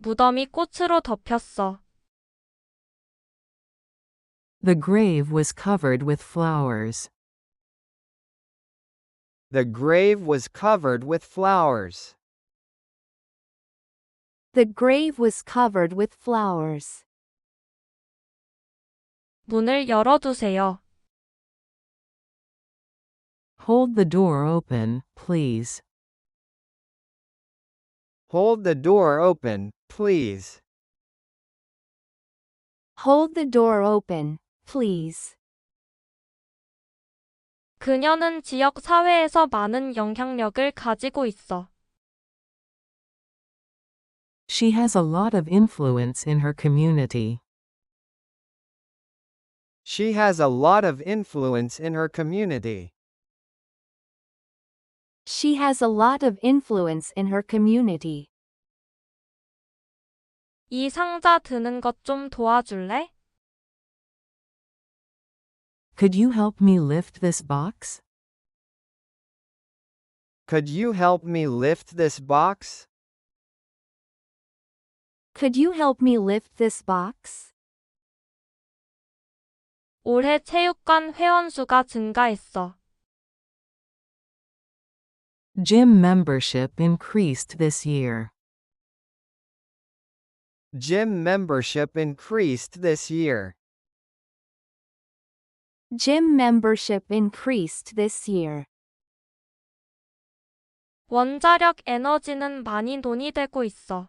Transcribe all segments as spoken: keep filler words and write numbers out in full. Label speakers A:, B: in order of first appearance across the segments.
A: 무덤이 꽃으로 덮였어.
B: The grave was covered with flowers.
C: The grave was covered with flowers.
D: The grave was covered with flowers.
A: 문을 열어두세요.
B: Hold the door open, please.
C: Hold the door open, please.
D: Hold the door open, please.
A: 그녀는 지역 사회에서 많은 영향력을 가지고 있어.
B: She has a lot of influence in her community.
C: She has a lot of influence in her community.
D: She has a lot of influence in her community.
A: 이 상자 드는 것 좀 도와줄래?
B: Could you help me lift this box?
C: Could you help me lift this box?
D: Could you help me lift this box?
A: 올해 체육관 회원수가 증가했어.
B: Gym membership increased this year.
C: Gym membership increased this year.
D: Gym membership increased this year.
A: 원자력 에너지는 많이 논의되고 있어.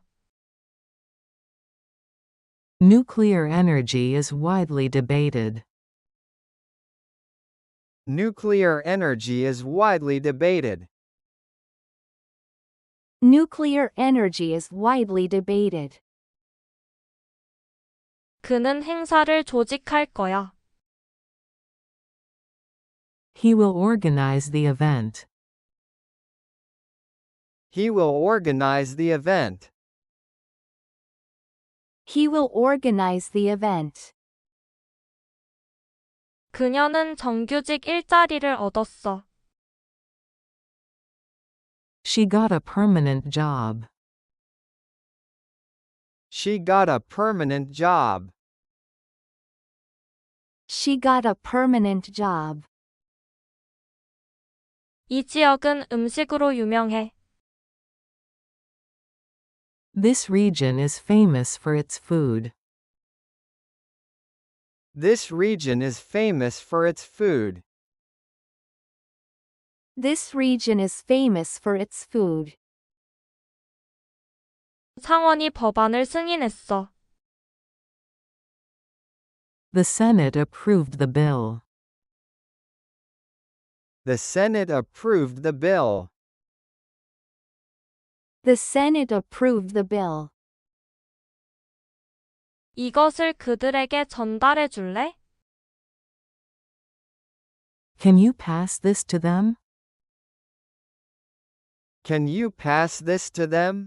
B: Nuclear energy is widely debated.
C: Nuclear energy is widely debated.
D: Nuclear energy is widely debated.
A: 그는 행사를 조직할 거야.
B: He will organize the event.
C: He will organize the event.
D: He will organize the event.
A: 그녀는 정규직 일자리를 얻었어.
B: She got a permanent job.
C: She got a permanent job.
D: She got a permanent job.
A: 이 지역은 음식으로 유명해.
B: This region is famous for its food.
C: This region is famous for its food.
D: This region is famous for its food.
A: 상원이 법안을 승인했어.
B: The Senate approved the bill.
C: The Senate approved the bill.
D: The Senate approved the bill.
A: 이것을 그들에게 전달해 줄래?
B: Can you pass this to them?
C: Can you pass this to them?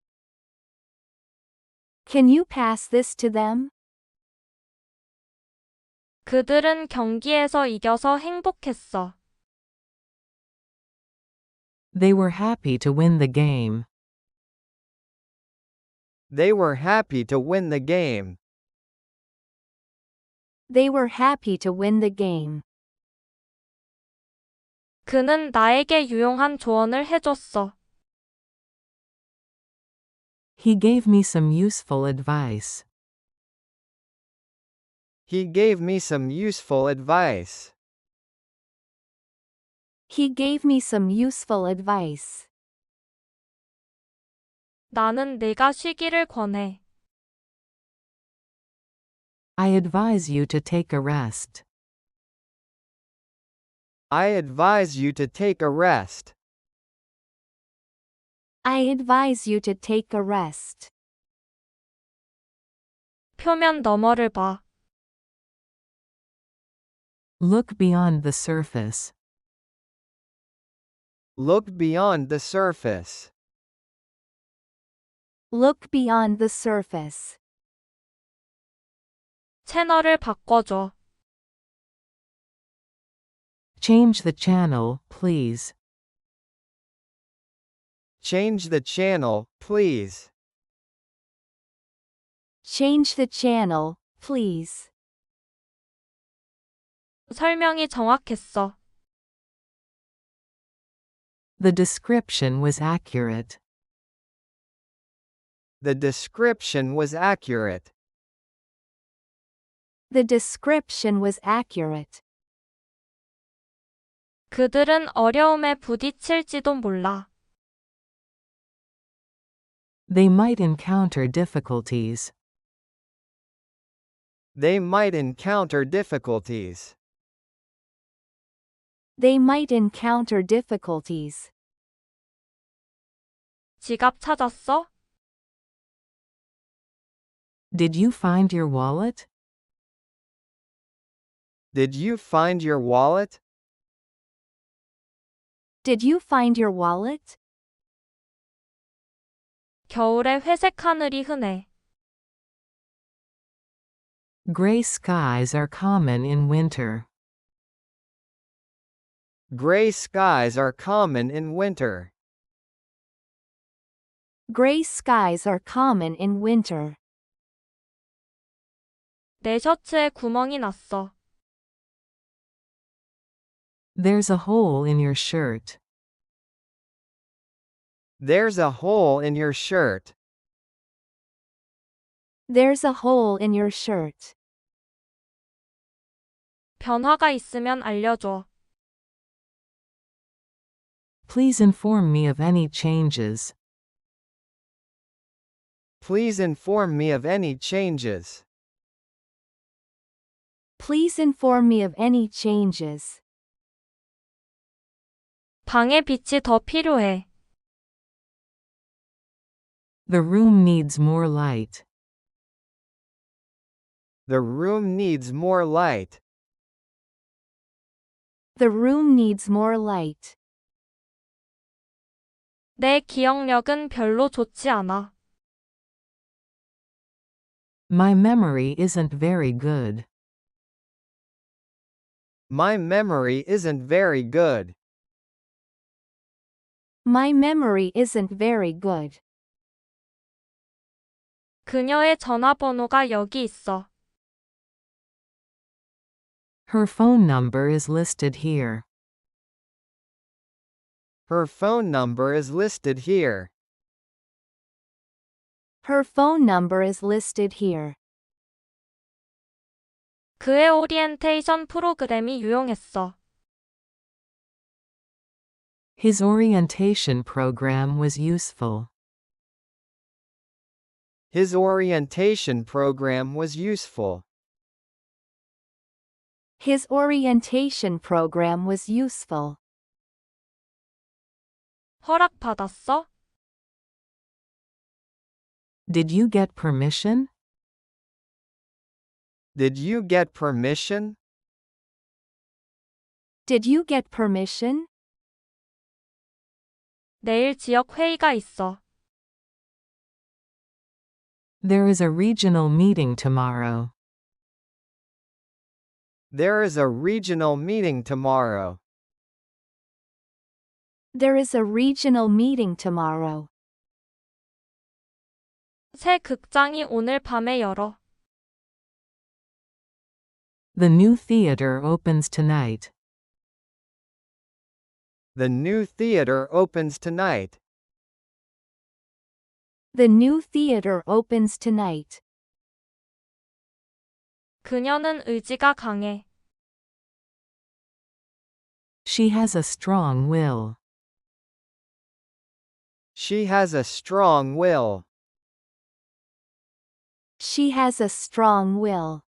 D: Can you pass this to them?
A: 그들은 경기에서 이겨서 행복했어.
B: They were happy to win the game.
C: They were happy to win the game.
D: They were happy to win the game.
A: 그는 나에게 유용한 조언을 해줬어.
B: He gave me some useful advice.
C: He gave me some useful advice.
D: He gave me some useful advice.
A: 나는 내가 쉬기를 권해.
B: I advise you to take a rest.
C: I advise you to take a rest.
D: I advise you to take a rest.
A: 표면 너머를 봐.
B: Look beyond the surface.
C: Look beyond the surface.
D: Look beyond the surface.
A: 채널을 바꿔줘.
B: Change the channel, please.
C: Change the channel, please.
D: Change the channel, please.
A: 설명이 정확했어.
B: The description was accurate.
C: The description was accurate.
D: The description was accurate.
A: 그들은 어려움에 부딪힐지도 몰라.
B: They might encounter difficulties.
C: They might encounter difficulties.
D: They might encounter difficulties.
A: 지갑 찾았어?
B: Did you find your wallet?
C: Did you find your wallet?
D: Did you find your wallet?
A: 겨울에 회색 하늘이 흔해.
B: Gray skies are common in winter.
C: Gray skies are common in winter.
D: Gray skies are common in winter.
A: 내 셔츠에 구멍이 났어.
B: There's a hole in your shirt.
C: There's a hole in your shirt.
D: There's a hole in your shirt.
A: 변화가 있으면 알려줘.
B: Please inform me of any changes.
C: Please inform me of any changes.
D: Please inform me of any changes.
A: 방에 빛이 더 필요해.
B: The room needs more light.
C: The room needs more light.
D: The room needs more light.
A: 내 기억력은 별로 좋지 않아.
B: My memory isn't very good.
C: My memory isn't very good.
D: My memory isn't very good.
A: 그녀의 전화번호가 여기 있어.
B: Her phone number is listed here.
C: Her phone number is listed here.
D: Her phone number is listed here.
A: 그의 오리엔테이션 프로그램이 유용했어.
B: His orientation program was useful.
C: His orientation program was useful.
D: His orientation program was useful.
A: 허락받았어?
B: Did you get permission?
C: Did you get permission?
D: Did you get permission?
A: 내일 지역 회의가 있어.
B: There is a regional meeting tomorrow.
C: There is a regional meeting tomorrow.
D: There is a regional meeting tomorrow.
A: 새 극장이 오늘 밤에 열어.
B: The new theater opens tonight.
C: The new theater opens tonight.
D: The new theater opens tonight.
A: 그녀는 의지가 강해.
B: She has a strong will.
C: She has a strong will.
D: She has a strong will.